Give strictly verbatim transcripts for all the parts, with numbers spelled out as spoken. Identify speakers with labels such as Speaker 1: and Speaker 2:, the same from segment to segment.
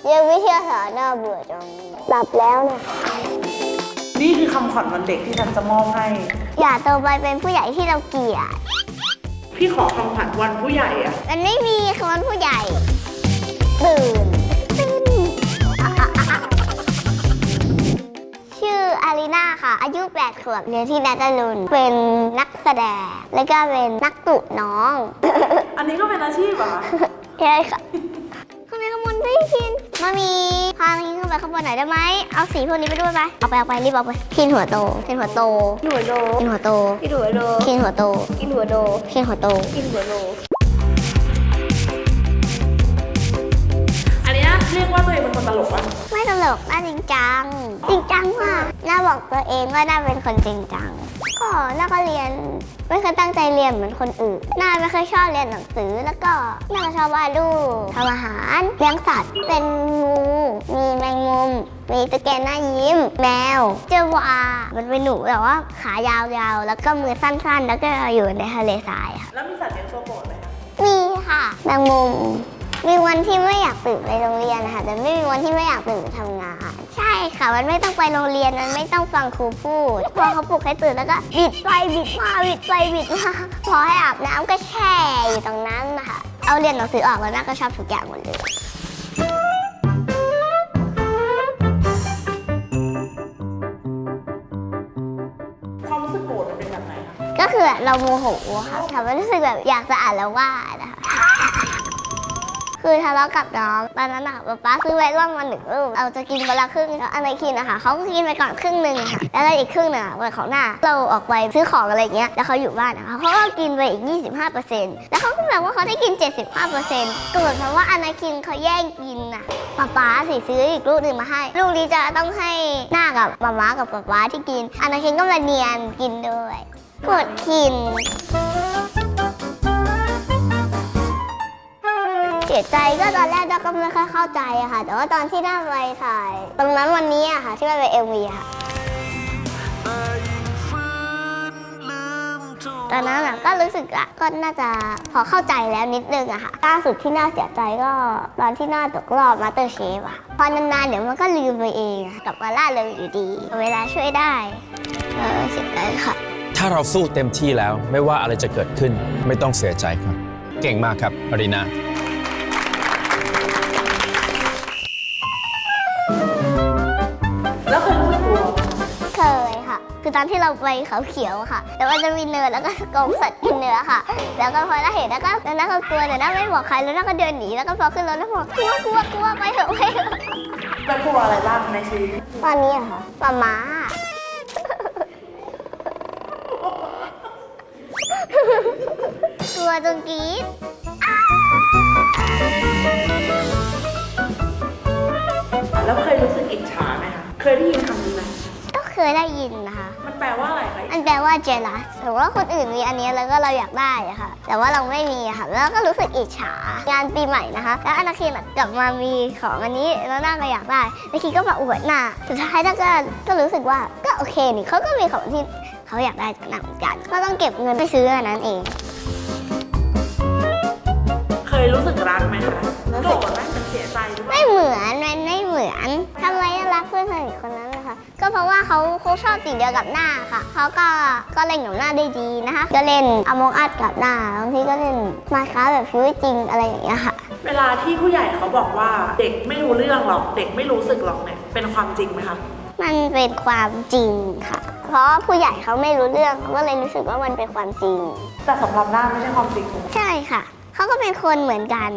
Speaker 1: เรียนวิทยาศาสตร์น่าเบื่อจังหลับแล้วนะ
Speaker 2: นี่คือคำขวัญวันเด็กที่ฉันจะมอบให้
Speaker 1: อย่าโตไปเป็นผู้ใหญ่ที่เราเกลียด
Speaker 2: พี่ขอคำขวัญวันผู้ใหญ่อะ
Speaker 1: มันไม่มีคำวันผู้ใหญ่ตื่นชื่ออารีนาค่ะอายุแปดขวบเรียนที่นัตลุนเป็นนักแสดงแล้วก็เป็นนักตุน้อง
Speaker 2: อันนี้ก็เป็นอาชีพเหรอ
Speaker 1: ใช่ค่ะทำไมขโมยไม่กินมามีพามีขึ้นไปข้างบนหน่อยได้ไหมเอาสีพวกนี้ไปด้วยไปเอาไปเอาไปรีบเอาไปพินหัวโตพินหัวโตพินหัวโตพินหัวโตพินหัวโตพินหัวโตพินหัวโตพินหัวโตพินหัวโต
Speaker 2: อันนี้เรียกว่าตัวเองเป็นคนตลกปะ
Speaker 1: ไม่ตลกน่าจริงจังจริงจังมากน่าบอกตัวเองว่าน่าเป็นคนจริงจังก็น่าก็เรียนไม่เคยตั้งใจเรียนเหมือนคนอื่นน่าไม่เคยชอบเรียนหนังสือแล้วก็น่าก็ชอบวาดรูปทำอาหารเลี้ยงสัตว์เป็นงูมีแมงมุมมีตุ๊กแกหน้ายิ้มแมวเจอวามันเป็นหนูแต่ว่าขายาวๆแล้วก็มือสั้นๆแล้วก็อยู่ในทะเลทรายค่ะ
Speaker 2: แล้วมีสัตว์เลี้ยงตัวโปรดไหมคะ
Speaker 1: มีค่ะแมงมุมมีวันที่ไม่อยากตื่นไปโรงเรียนนะคะแต่ไม่มีวันที่ไม่อยากตื่นไปทำงานใช่ค่ะมันไม่ต้องไปโรงเรียนมันไม่ต้องฟังครูพูดพอเขาปลุกให้ตื่นแล้วก็บิดไปบิดมาบิดไปบิดมาพอให้อาบน้ำก็แช่อยู่ตรงนั้นนะคะเอาเรียนหนังสือออกแล้วน่าก็ชอบทุกอย่างหมดเลย
Speaker 2: ความรู้สึกโกรธมันเป็นแบบไหนคะ
Speaker 1: ก็คือเราโมโหค่ะทำให้รู้สึกแบบอยากจะอ่านแล้วว่านะคะคือทะเลาะกับน้องตอนนั้นอะป๊าป๊าซื้อไวร่อนมาหนึ่งลูกเราจะกินคนละครึ่งแล้วอันไหนกินนะคะเขาก็กินไปก่อนครึ่งหนึ่งค่ะแล้วอีกครึ่งหนึ่งอะวันของหน้าเราออกไปซื้อของอะไรเงี้ยแล้วเขาอยู่บ้านนะคะเขาก็กินไปอีก ยี่สิบห้าเปอร์เซ็นต์ แล้วเขาก็แบบว่าเขาได้กิน เจ็ดสิบห้าเปอร์เซ็นต์ เกิดเพราะว่าอันไหนกินเขาแย่งกินอะป๊าป๊าสิซื้ออีกลูกหนึ่งมาให้ลูกนี้จะต้องให้หน้ากับป๊าป๊ากับป๊าป๊าที่กินอันไหนกินก็มาเนียนกินด้วยปวดกินเสียใจก็ตอนแรกก็ไม่ค่อยเข้าใจอะค่ะแต่ว่าตอนที่น่าไปถ่ายตรงนั้นวันนี้อะค่ะที่มันเป็น เอ็ม วี ค่ะตอนนั้นก็รู้สึกอะก็น่าจะพอเข้าใจแล้วนิดนึงอะค่ะล่าสุดที่น่าเสียใจก็ตอนที่น่าตกรอบมาสเตอร์เชฟอะพอนานๆเดี๋ยวมันก็ลืมไปเองกลับมาล่าเริงอยู่ดีเวลาช่วยได้เออเสียใจค่ะ
Speaker 3: ถ้าเราสู้เต็มที่แล้วไม่ว่าอะไรจะเกิดขึ้นไม่ต้องเสียใจครับเก่งมากครับอารีนา
Speaker 2: แล้วเคยรู้สึกกลัว
Speaker 1: เคยค่ะคือตอนที่เราไปเขาเขียวค่ะแต่ว่าจะมีเนินแล้วก็กองสัตว์กินเนื้อค่ะแล้วก็พอเราเห็นแล้วก็แล้วน่าก็กลัวแต่น่าไม่บอกใครแล้วน่าก็เดินหนีแล้วก็พอขึ้นรถแล้วบอกกลัวกลัวกลัวไปเถอะไปเถอะ
Speaker 2: แล้วกลัวอะไรบ้างในชีวิต
Speaker 1: ตอนนี้อะค่ะป๊าม้ากลัวจนกรี๊ด
Speaker 2: แล้วเคยรู้สึกอิจฉาไหมคะเคยได้ยินคำนี้ไหม
Speaker 1: ก็เคยได้ยินนะคะ
Speaker 2: มันแปลว่าอะไรคะ
Speaker 1: มันแปลว่า jealous ถือว่าคนอื่นมีอันนี้แล้วก็เราอยากได้อะค่ะแต่ว่าเราไม่มีอะค่ะแล้วก็รู้สึกอิจฉางานปีใหม่นะคะแล้วอนาคินกลับมามีของอันนี้แล้วน่าก็อยากได้อนาคินก็มาอวดหน้าสุดท้ายน่าก็ก็รู้สึกว่าก็โอเคนี่เขาก็มีของที่เขาอยากได้จากหนังเหมือนกันก็ต้องเก็บเงินไปซื้ออันนั้นเอง
Speaker 2: เคยรู้สึกรักไหมคะโกรธไหมเสียใจหรือเปล่า
Speaker 1: ไม่เหมือนมันไม่เหมือนทำไมรักเพื่อนสนิทคนนั้นนะคะก็เพราะว่าเขาเขาชอบสิ่งเดียวกับหน้าค่ะเขาก็ก็เล่นกับหน้าได้ดีนะคะก็เล่นอมองอัดกับหน้าบางทีก็เล่นมาค้าแบบชีวิตจริงอะไรอย่างเงี้ยค่ะ
Speaker 2: เวลาที่ผู้ใหญ่เขาบอกว่าเด็กไม่รู้เรื่องหรอกเด็กไม่รู้สึกหรอกเนี่ยเป็นความจริงไหมคะ
Speaker 1: มันเป็นความจริงค่ะเพราะผู้ใหญ่เขาไม่รู้เรื่องเขาก็เลยรู้สึกว่ามันเป็นความจริง
Speaker 2: แต่สำหรับหน้าไม่ใช่ความจริง
Speaker 1: ใช่ค่ะเขาก็เป็นคนเหมือนกัน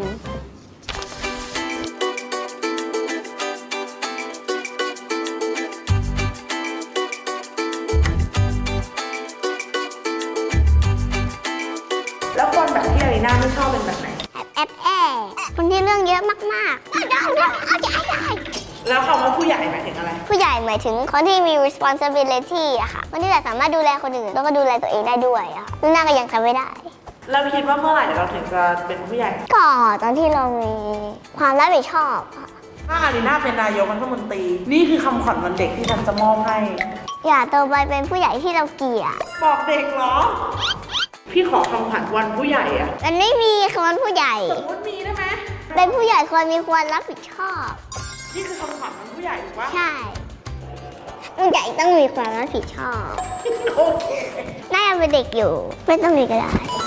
Speaker 2: แล้วคนแบบที่อารีนาไม่ชอบเป็นแบบไหน
Speaker 1: แอบแอบคนที่เรื่องเยอะมากๆได้ได้เอาใจได้
Speaker 2: แล้วคำว่าผู้ใหญ่หมายถึงอะไร
Speaker 1: ผู้ใหญ่หมายถึงคนที่มี responsibility อะค่ะคนที่แบบสามารถดูแลคนอื่นแล้วก็ดูแลตัวเองได้ด้วยอะค่ะน่าก็ยังทำไม่ได้
Speaker 2: เราคิดว่าเมื่อไหร่เราถึงจะเป็นผู้ใหญ่
Speaker 1: ก็ตอนที่เรามีความรับผิดชอบค่ะ
Speaker 2: ถ้าอารีนาเป็นนายกรัฐมนตรีนี่คือคำขวัญวันเด็กที่ฉันจะมอบให้
Speaker 1: อย่าโตไปเป็นผู้ใหญ่ที่เราเกลียด
Speaker 2: บอกเด็กเหรอพี่ขอคำขวัญวันผู้ใหญ่อะ
Speaker 1: มันไม่มีคำว่าผู้ใหญ่
Speaker 2: สมมติมีได้ไหม
Speaker 1: เป็นผู้ใหญ่ควรมีควรรับผิดชอบ
Speaker 2: นี่คือคำถามของผู้ใหญ่ถูกปะ
Speaker 1: ใช่ผู้ใหญ่ต้องมีความรับผิดชอบ
Speaker 2: โอเค
Speaker 1: น่าจะเป็นเด็กอยู่ ไม่ต้องมีก็ได้